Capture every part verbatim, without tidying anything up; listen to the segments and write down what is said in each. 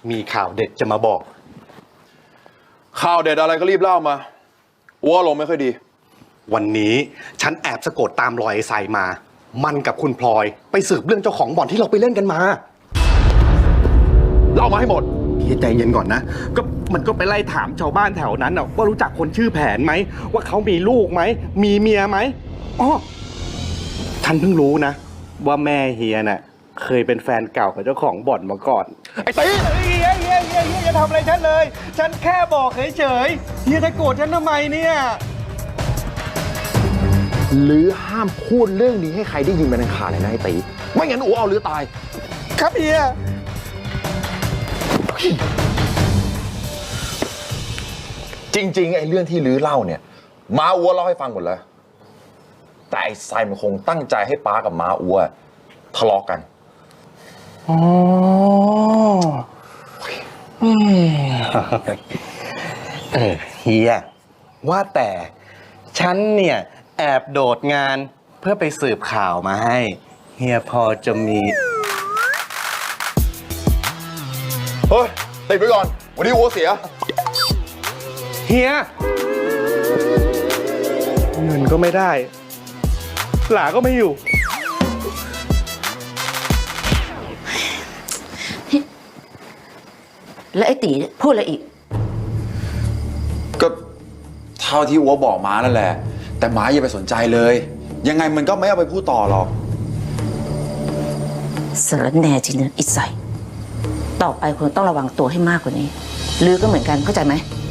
มีข่าวเด็ดจะมาบอกข่าวเด็ดอะไรก็รีบเล่ามาอ้วลงไม่ค่อยดีวันนี้ฉันแอบสะกดตามรอยไอ้ไซมา มันกับคุณพลอยไปสืบเรื่องเจ้าของบ่อนที่เราไปเล่นกันมาเล่ามาให้หมดพี่ใจเย็นก่อนนะก็มันก็ไปไล่ถามชาวบ้านแถวนั้นนะว่ารู้จักคนชื่อแผนไหมว่าเขามีลูกไหมมีเมียไหมอ๋อฉันเพิ่งรู้นะว่าแม่เฮียน่ะเคยเป็นแฟนเก่ากับเจ้าของบ่อนมาก่อนไอ้ตีเฮียเฮียเฮียเฮียจะทำอะไรฉันเลยฉันแค่บอกเฉยๆเฮียจะโกรธฉันทำไมเนี่ยหรือห้ามพูดเรื่องนี้ให้ใครได้ยินเป็นอันขาดเลยนะไอ้ตีไม่งั้นอ้วเอาหรือตายครับเฮียจริงๆไอ้เรื่องที่ลื้อเล่าเนี่ยม้าอัวเล่าให้ฟังหมดแล้วแต่ไอ้ไซมันคงตั้งใจให้ป้ากับม้าอัวทะเลาะกันอ๋อเออเฮียว่าแต่ฉันเนี่ยแอบโดดงานเพื่อไปสืบข่าวมาให้เฮียพอจะมีเฮ้ยติดไว้ก่อนวันนี้อัวเสียเฮียเงินก็ไม่ได้หลาก็ไม่อยู่แล้วไอ้ตีพูดอะไรอีกก็เท่าที่อัวบอกม้านั่นแหละแต่ม้าอย่าไปสนใจเลยยังไงมันก็ไม่เอาไปพูดต่อหรอกสารแน่จริงนะอิสัยต่อไปคุณต้องระวังตัวให้มากกว่านี้ลือก็เหมือนกันเข้าใจไหม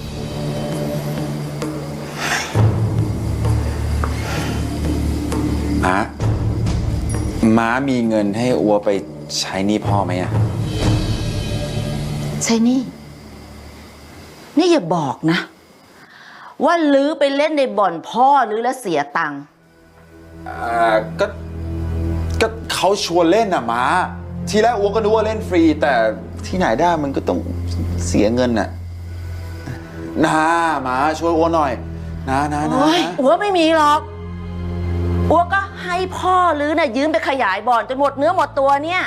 ม้าม้ามีเงินให้อัวไปใช้หนี้พ่อไหมอะใช่นี่นี่อย่าบอกนะว่าลือไปเล่นในบ่อนพ่อลือแล้วเสียตังค์อ่าก็ก็เขาชวนเล่นน่ะม้าทีแรกอัวก็นึกว่าเล่นฟรีแต่ที่ไหนได้มันก็ต้องเสียเงินน่ะนะม้าช่วยอัวหน่อยนะนะนะอัวไม่มีหรอกอัวก็ให้พ่อลือน่ะยืมไปขยายบ่อนจนหมดเนื้อหมดตัวเนี่ย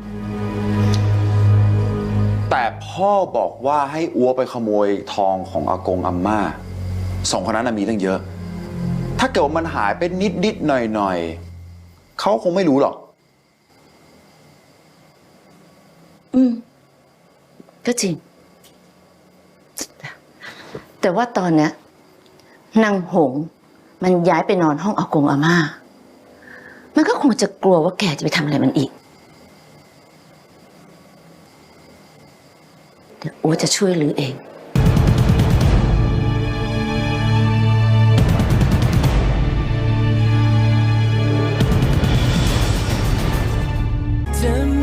แต่พ่อบอกว่าให้อัวไปขโมยทองของอากงอาม่าสองคนนั้นมีตั้งเยอะถ้าเกิดว่ามันหายไปนิดนิดหน่อยหน่อยเขาคงไม่รู้หรอกอืมก็จริงแต่ว่าตอนเนี้ยนางหงมันย้ายไปนอนห้องอากงอาม่ามันก็คงจะกลัวว่าแกจะไปทำอะไรมันอีกเดี๋ยวอัวจะช่วยลือเองจะ